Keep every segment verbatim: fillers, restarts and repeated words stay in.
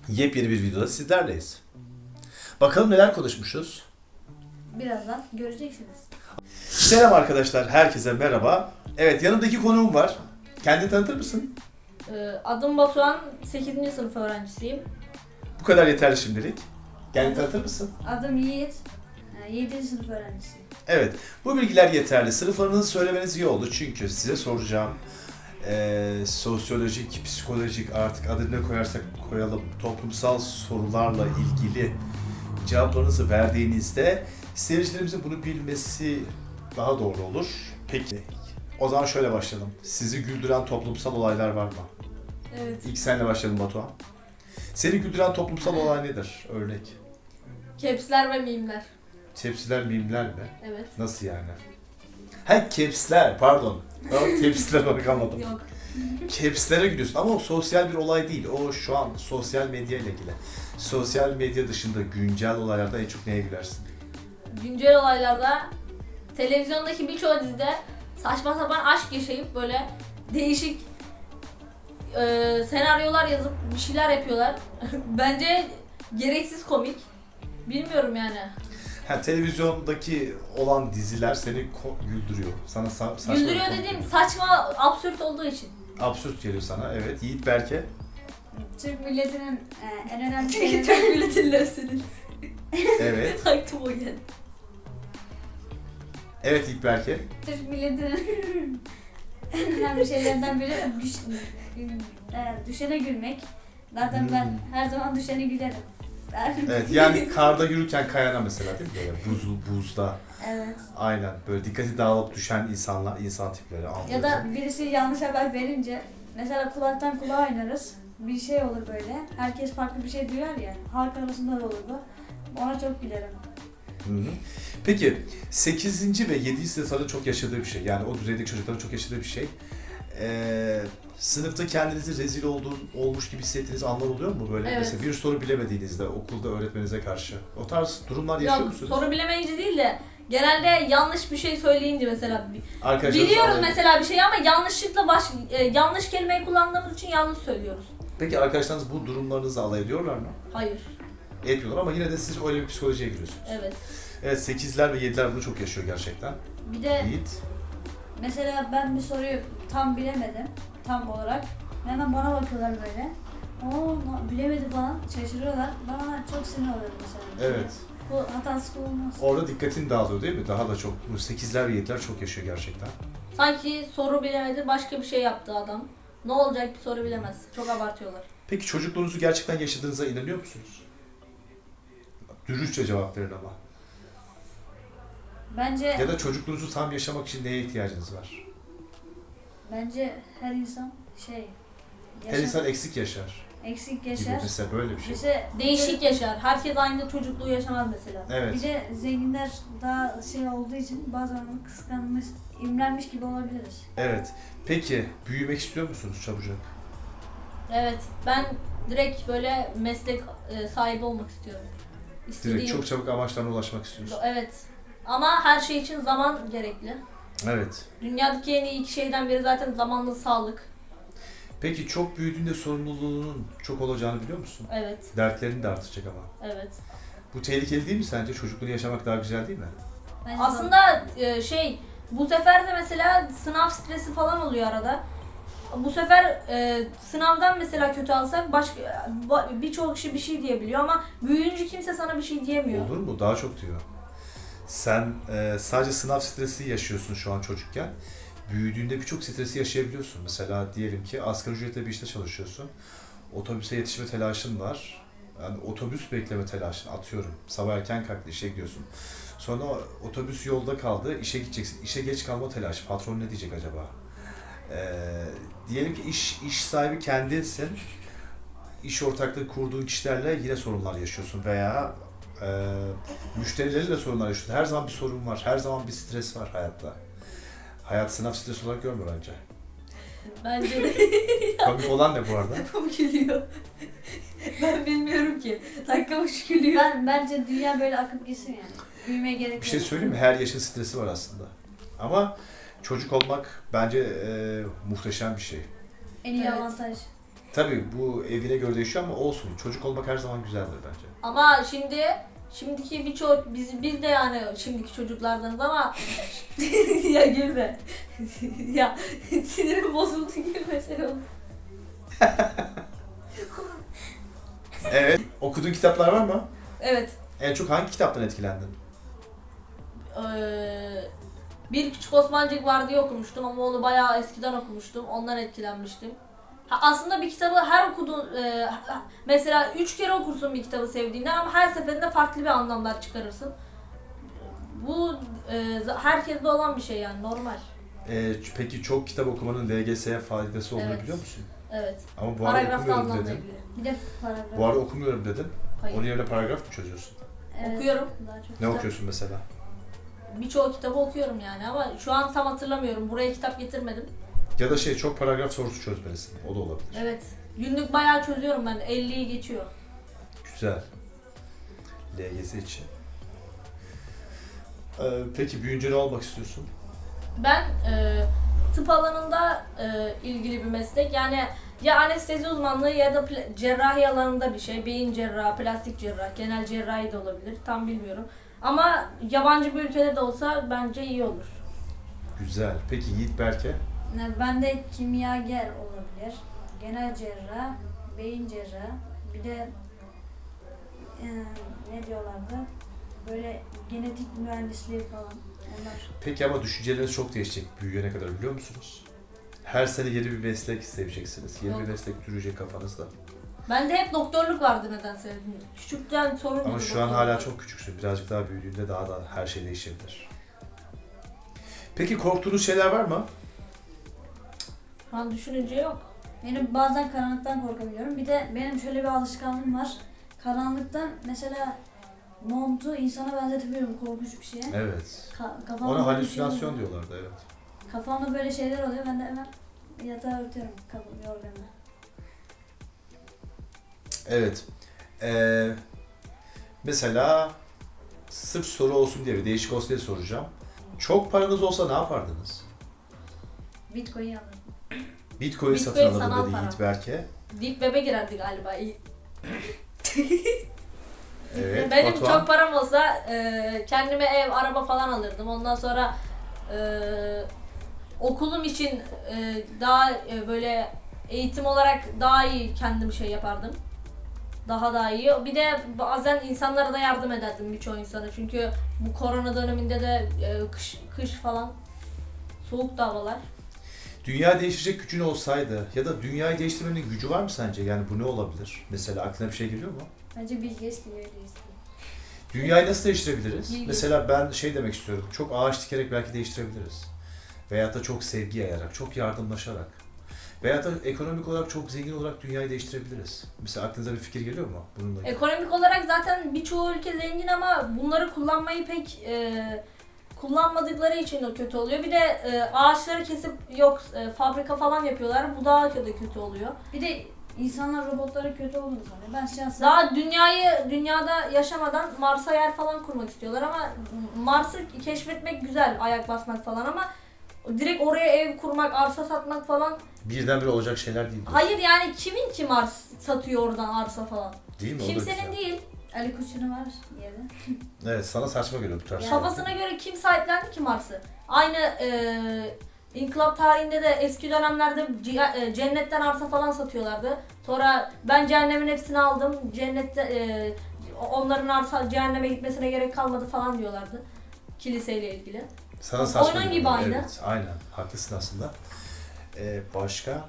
Yepyeni bir videoda sizlerleyiz. Bakalım neler konuşmuşuz. Birazdan göreceksiniz. Selam arkadaşlar, herkese merhaba. Evet, yanımdaki konuğum var. Kendini tanıtır mısın? Ee, adım Batuhan, sekizinci sınıf öğrencisiyim. Bu kadar yeterli şimdilik. Kendini tanıtır mısın? Adım Yiğit, yedinci sınıf öğrencisiyim. Evet, bu bilgiler yeterli. Sınıflarınızı söylemeniz iyi oldu çünkü size soracağım eee, sosyolojik, psikolojik, artık adını ne koyarsak koyalım, toplumsal sorularla ilgili cevaplarınızı verdiğinizde seyircilerimizin bunu bilmesi daha doğru olur. Peki, o zaman şöyle başlayalım. Sizi güldüren toplumsal olaylar var mı? Evet. İlk senle başlayalım Batuhan. Seni güldüren toplumsal olay nedir? Örnek. Caps'ler ve mimler. Tepsiler, mimler mi? Evet. Nasıl yani? Ha, caps'ler, pardon. Ben tepsiler olarak anladım. Yok. Caps'lere gidiyorsun ama o sosyal bir olay değil. O şu an sosyal medya ile ilgili. Sosyal medya dışında güncel olaylarda en çok neye gülersin? Güncel olaylarda televizyondaki birçok dizide saçma sapan aşk yaşayıp böyle değişik e, senaryolar yazıp bir şeyler yapıyorlar. Bence gereksiz komik. Bilmiyorum yani. Ha, televizyondaki olan diziler seni ko- güldürüyor. Sana sa- saçma Güldürüyor bir konu dediğim geliyor. saçma, absürt olduğu için. Absürt geliyor sana. Evet. Yiğit Berke. Türk milletinin e, en önemli Türk şeylerinden, milletin lafının. Evet. Aklıma o geldi. Evet Yiğit Berke. Türk milletinin en önemli şeylerinden biri düş, e, düşene gülmek. Zaten ben Hmm. her zaman düşene gülerim. Ben- Evet, yani karda yürürken kayana mesela değil mi? Böyle buzlu, buzda. Evet. Aynen. Böyle dikkati dağılıp düşen insanlar, insan tipleri. Ya anlıyoruz. da birisi yanlış haber verince mesela kulaktan kulağa oynarız. Bir şey olur böyle. Herkes farklı bir şey duyar ya. Halk arasında da olur bu. Ona çok gülerim. Hı hı. Peki sekizinci ve yedinci sınıfların çok yaşadığı bir şey. Yani o düzeydeki çocukların çok yaşadığı bir şey. Ee, sınıfta kendinizi rezil olduğun, olmuş gibi hissettiğiniz anlar oluyor mu böyle? Evet. Mesela bir soru bilemediğinizde okulda öğretmeninize karşı. O tarz durumlar yaşıyor Yok, musunuz? soru bilemeyince değil de genelde yanlış bir şey söyleyince mesela Arkadaşlarınızla biliyoruz alay- mesela bir şeyi ama yanlışlıkla baş e, yanlış kelimeyi kullandığımız için yanlış söylüyoruz. Peki arkadaşlarınız bu durumlarınızla alay ediyorlar mı? Hayır. Etmiyorlar ama yine de siz öyle bir psikolojiye giriyorsunuz. Evet. Evet, sekizler ve yediler bunu çok yaşıyor gerçekten. Bir de Yiğit. mesela ben bir soruyu tam bilemedim. Tam olarak. Hemen bana bakıyorlar böyle. Oo na- bilemedi falan. Şaşırıyorlar. Bana çok sinir oluyor mesela. Evet. Bu hatasız olmaz. Orada dikkatin dağılıyor değil mi? Daha da çok. Bu sekizler ve yediler çok yaşıyor gerçekten. Sanki soru bilemedi başka bir şey yaptı adam. Ne olacak bir soru bilemez. Çok abartıyorlar. Peki çocukluğunuzu gerçekten yaşadığınıza inanıyor musunuz? Dürüstçe cevap verin ama. Bence Ya da çocukluğunuzu tam yaşamak için neye ihtiyacınız var? bence her insan şey Her yaşa- insan eksik yaşar. eksik Gibi yaşar. mesela böyle bir şey. Mesela Değişik yaşar. Herkes aynı çocukluğu yaşamaz mesela. bir Evet. de zenginler daha şey olduğu için bazen onu kıskanmış, imrenmiş gibi olabiliriz. Evet. Peki büyümek istiyor musunuz çabucak? Evet. Ben direkt böyle meslek e, sahibi olmak istiyorum. İstediğim. Direkt çok çabuk amaçlarına ulaşmak istiyorsun. Evet. Ama her şey için zaman gerekli. Evet. Dünyadaki en iyi iki şeyden biri zaten zamanlı sağlık. Peki çok büyüdüğünde sorumluluğunun çok olacağını biliyor musun? Evet. Dertlerin de artacak ama. Evet. Bu tehlikeli değil mi sence? Çocukluğunu yaşamak daha güzel değil mi? Bence Aslında e, şey bu sefer de mesela sınav stresi falan oluyor arada. Bu sefer e, sınavdan mesela kötü alsak başka ba- birçok kişi bir şey diyebiliyor ama büyüyünce kimse sana bir şey diyemiyor. Olur mu? Daha çok diyor. Sen e, sadece sınav stresi yaşıyorsun şu an çocukken. Büyüdüğünde birçok stresi yaşayabiliyorsun. Mesela diyelim ki asgari ücretle bir işte çalışıyorsun. Otobüse yetişme telaşın var. Yani otobüs bekleme telaşın, atıyorum. Sabah erken kalktı, işe gidiyorsun. Sonra otobüs yolda kaldı, işe gideceksin. İşe geç kalma telaşı. Patron ne diyecek acaba? Ee, diyelim ki iş iş sahibi kendinsin. İş ortaklığı kurduğun kişilerle yine sorunlar yaşıyorsun veya e, müşterileriyle sorunlar yaşıyorsun. Her zaman bir sorun var. Her zaman bir stres var hayatta. Hayat sınav stresi olarak görme bence. Bence de Komik olan ne bu arada? bu gülüyor. Ben bilmiyorum ki. Dakikamış gülüyor. Ben bence dünya böyle akıp gitsin yani. Büyümeye gerek yok. Bir şey söyleyeyim mi? Her yaşın stresi var aslında. Ama çocuk olmak bence e, muhteşem bir şey. En iyi Evet. avantaj. Tabii bu evine göre değişiyor ama olsun. Çocuk olmak her zaman güzeldir bence. Ama şimdi şimdiki birçok biz biz de yani şimdiki çocuklardanız ama ya gülme. Ya sinirim bozuldu gülmesene oğlum. Evet. Okuduğun kitaplar var mı? Evet. En çok hangi kitaptan etkilendin? Ee, Bir Küçük Osmancık var diye okumuştum ama onu bayağı eskiden okumuştum. Ondan etkilenmiştim. Ha, aslında bir kitabı her okuduğun e, mesela üç kere okursun bir kitabı sevdiğinden ama her seferinde farklı bir anlamlar çıkarırsın. Bu e, herkeste olan bir şey yani normal. Ee, peki çok kitap okumanın L G S'ye faydası olduğunu Evet. biliyor musun? Evet. Ama bu arada Paragrafta okumuyorum anlamla dedin. ilgili. Bir de paragraf. Bu arada okumuyorum dedin. Hayır. Onun yerine paragraf mı çözüyorsun? Evet, Okuyorum. Daha çok Ne kitap. okuyorsun mesela? Birçok kitabı okuyorum yani ama şu an tam hatırlamıyorum. Buraya kitap getirmedim. Ya da şey çok paragraf sorusu çözmelisin. O da olabilir. Evet. Günlük bayağı çözüyorum ben. elliyi geçiyor. Güzel. L G S için. Ee, peki büyüyünce ne olmak istiyorsun? Ben e, tıp alanında e, ilgili bir meslek. Yani ya anestezi uzmanlığı ya da pla- cerrahi alanında bir şey. Beyin cerrahı, plastik cerrah, genel cerrahi de olabilir. Tam bilmiyorum. Ama yabancı bir ülkede de olsa bence iyi olur. Güzel. Peki Yiğit Berke? Ne, Ben de kimyager olabilir. Genel cerrah, beyin cerrah. Bir de e, ne diyorlardı? Böyle genetik mühendisliği falan. Onlar. Peki ama düşünceleriniz çok değişecek büyüyene kadar biliyor musunuz? Her sene yeni bir meslek seveceksiniz. Yeni Yok. bir meslek türecek kafanızda. Bende hep doktorluk vardı nedense. Küçükten sorun Ama buydu şu an doktorluk. hala çok küçüksün. Birazcık daha büyüdüğünde daha da her şey değişebilir. Peki korktuğunuz şeyler var mı? Şu an düşününce yok. Benim bazen karanlıktan korkabiliyorum. Bir de benim şöyle bir alışkanlığım var. Karanlıktan mesela montu insana benzetebiliyorum korkunç bir şeye. Evet. Ka- kafamda Ona böyle bir şey halüsinasyon oluyor. diyorlardı evet. Kafamda böyle şeyler oluyor. Ben de hemen yatağa örtüyorum kafamı, yorganı. Evet. Ee, mesela sırf soru olsun diye bir değişik olsun diye soracağım. Çok paranız olsa ne yapardınız? Bitcoin alırım. Bitcoin, Bitcoin satın alırım sanal dedi para. Yiğit Berke. Deep Web'e girerdi galiba. Evet. Benim Batuhan? çok param olsa e, kendime ev, araba falan alırdım. Ondan sonra e, okulum için e, daha e, böyle eğitim olarak daha iyi kendim şey yapardım. Daha da iyi. Bir de bazen insanlara da yardım ederdim birçok insana. Çünkü bu korona döneminde de e, kış, kış falan soğuk da havalar. Dünya değişecek gücün olsaydı ya da dünyayı değiştirmenin gücü var mı sence? Yani bu ne olabilir? Mesela aklına bir şey geliyor mu? Bence Bill Gates gibi öyle Dünyayı nasıl değiştirebiliriz? İlginç. Mesela ben şey demek istiyorum. Çok ağaç dikerek belki değiştirebiliriz. Veyahut da çok sevgi yayarak, çok yardımlaşarak. Veyahut da ekonomik olarak çok zengin olarak dünyayı değiştirebiliriz. Mesela aklınıza bir fikir geliyor mu? Bununla ilgili? Ekonomik olarak zaten birçoğu ülke zengin ama bunları kullanmayı pek e, kullanmadıkları için o kötü oluyor. Bir de e, ağaçları kesip yok e, fabrika falan yapıyorlar. Bu daha kötü kötü oluyor. Bir de insanlar robotlara kötü olduğunu sanıyor. Ben şahsen Daha dünyayı dünyada yaşamadan Mars'a yer falan kurmak istiyorlar ama Mars'ı keşfetmek güzel, ayak basmak falan ama direkt oraya ev kurmak, arsa satmak falan. Birdenbire olacak şeyler değil. bu. Hayır yani kimin ki Mars satıyor oradan arsa falan? Değil mi? O da Kimsenin güzel. değil. Ali Koç'un var yerde. Evet, sana saçma geliyor bu tarz. Ya. Kafasına göre kim sahiplendi ki Mars'ı? Aynı e, İnkılap tarihinde de eski dönemlerde ci- e, cennetten arsa falan satıyorlardı. Sonra ben cehennemin hepsini aldım. Cennette e, onların arsa cehenneme gitmesine gerek kalmadı falan diyorlardı. Kiliseyle ilgili. Sana saçma Oyunun geliyor. gibi aynı. Evet, aynen. Haklısın aslında. Ee, başka?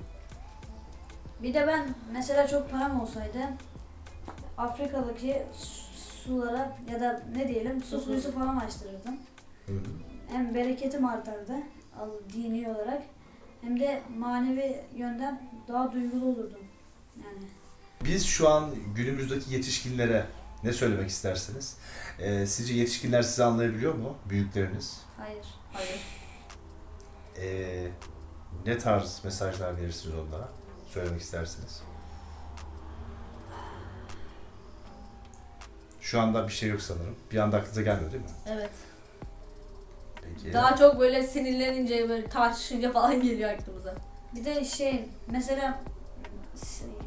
Bir de ben mesela çok param olsaydı Afrika'daki sulara ya da ne diyelim su kuyusu falan açtırırdım. Hı hı. Hem bereketim artardı al- dini olarak hem de manevi yönden daha duygulu olurdum. Yani Biz şu an günümüzdeki yetişkinlere ne söylemek istersiniz? Ee, sizce yetişkinler sizi anlayabiliyor mu? Büyükleriniz. hayır. Hayır. Ee, ne tarz mesajlar verirsiniz onlara? Söylemek istersiniz. Şu anda bir şey yok sanırım. Bir anda aklınıza gelmiyor değil mi? Evet. Peki. Daha çok böyle sinirlenince böyle tartışınca falan geliyor aklımıza. Bir de şey mesela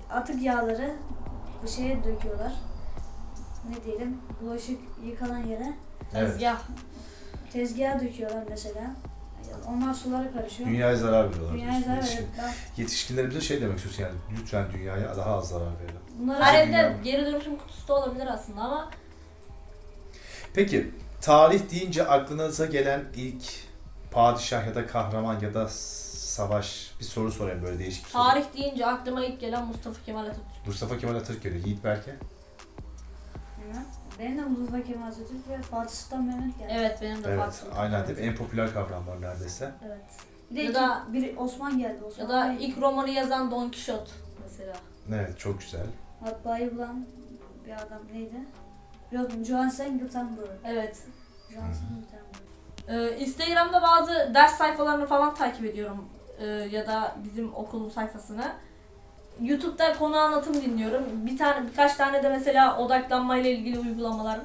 atık yağları bu şeye döküyorlar. Ne diyelim? Bulaşık yıkanan yere Evet. Tezgah. tezgaha döküyorlar mesela. Onlar sulara karışıyor. Dünyaya zarar veriyorlar. Dünyaya diyorsun. zarar Yetişkin- veriyor. Ben- Yetişkinlerimize şey demek istiyorsun yani lütfen dünyaya daha az zarar verelim. Bunları Her Dünya- evde geri dönüşüm kutusu da olabilir aslında ama Peki tarih deyince aklınıza gelen ilk padişah ya da kahraman ya da savaş bir soru sorayım böyle değişik bir soru. tarih deyince aklıma ilk gelen Mustafa Kemal Atatürk. Mustafa Kemal Atatürk geliyor. Yiğit Berke. Bilmem. Benim de Mustafa Kemal Atatürk ve Fatih Sultan Mehmet geldi. Evet benim de Evet, Fatih Sultan aynen Mehmet. değil mi? En popüler kavramlar neredeyse. Evet. Bir de Ya iki, da- biri Osman geldi. Osman Ya da Bey. ilk romanı yazan Don Quixote mesela. Evet, çok güzel. matbaayı bulan bir adam neydi? Yok, Johansen Gutenberg. Evet. Johansen Gutenberg. Ee, Instagram'da bazı ders sayfalarını falan takip ediyorum. Ee, ya da bizim okulun sayfasını. YouTube'da konu anlatım dinliyorum. Bir tane birkaç tane de mesela odaklanmayla ilgili uygulamalar.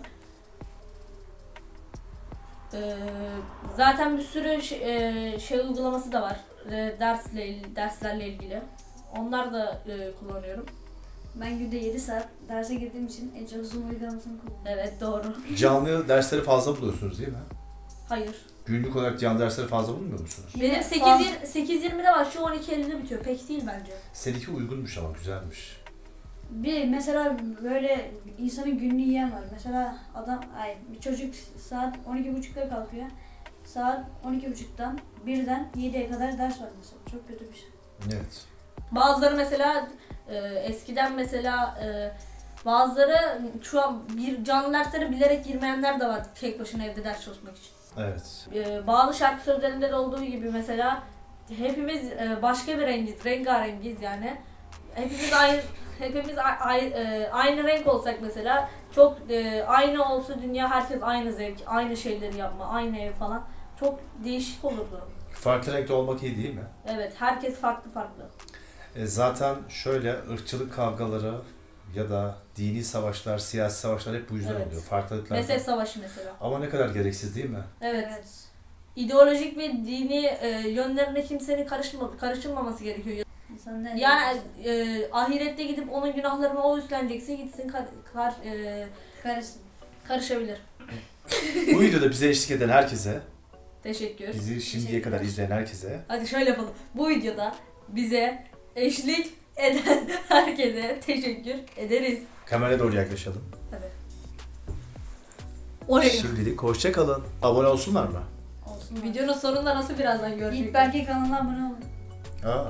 Ee, zaten bir sürü şey, e, şey uygulaması da var. Ee, dersle il- derslerle ilgili. Onlar da e, kullanıyorum. Ben günde yedi saat derse girdiğim için en çok Zoom uygulamasını kullanıyorum. Evet doğru. Canlı dersleri fazla buluyorsunuz değil mi? Hayır. Günlük olarak canlı dersleri fazla bulmuyor musunuz? Benim Yine sekiz yirmide var. Şu on iki ellide bitiyor. Pek değil bence. Seninki uygunmuş ama güzelmiş. Bir mesela böyle insanın gününü yiyen var. Mesela adam, ay bir çocuk saat on iki buçukta kalkıyor. Saat on iki buçuktan birden yediye kadar ders var mesela. Çok kötü bir şey. Evet. Bazıları mesela e, eskiden mesela e, bazıları şu an bir canlı derslere bilerek girmeyenler de var tek başına evde ders çalışmak için. Evet. E, bazı şarkı sözlerinde de olduğu gibi mesela hepimiz e, başka bir rengiz, rengarengiz yani. Hepimiz aynı hepimiz a- a- e, aynı renk olsak mesela çok e, aynı olsa dünya herkes aynı zevk, aynı şeyleri yapma, aynı ev falan çok değişik olurdu. Farklı renkte olmak iyi değil mi? Evet, herkes farklı farklı. E zaten şöyle ırkçılık kavgaları ya da dini savaşlar, siyasi savaşlar hep bu yüzden Evet. oluyor. Farklılıklar. Mezhep savaşı mesela. Ama ne kadar gereksiz değil mi? Evet. İdeolojik ve dini e, yönlerine kimsenin karışma, karışılmaması gerekiyor. İnsan ne? Yani e, ahirette gidip onun günahlarını o üstlenecekse gitsin kar, kar, e, karışsın. karışabilir. Bu videoda bize eşlik eden herkese, Teşekkür. bizi şimdiye kadar izleyen herkese Hadi şöyle yapalım. Bu videoda bize eşlik eden herkese teşekkür ederiz. kameraya doğru yaklaşalım. Tabii. Oraya. Şimdilik hoşça kalın. Abone olsunlar mı? Olsun. Videonun sonunda nasıl birazdan görecekler. İlk belki kanala abone olun. Aa.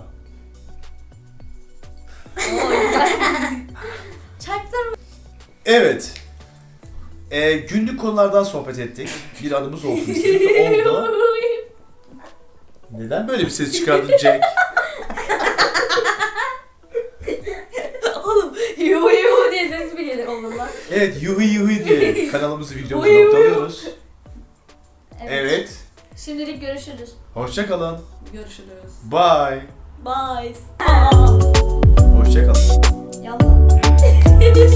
Oo, güzel. Çaktırma. Evet. Ee, günlük konulardan sohbet ettik. Bir anımız olsun istedik. Oldu. Neden böyle bir ses çıkardın Jack? Oğlum yuhu yuhu diye ses mi gelir oğlum lan? Evet, yuhu yuhu diye kanalımızı videomuzu Yuhu yuhu. noktalıyoruz. Evet. Şimdilik görüşürüz. Hoşça kalın. Görüşürüz. Bye. Bye. Hoşça kalın. Yallah.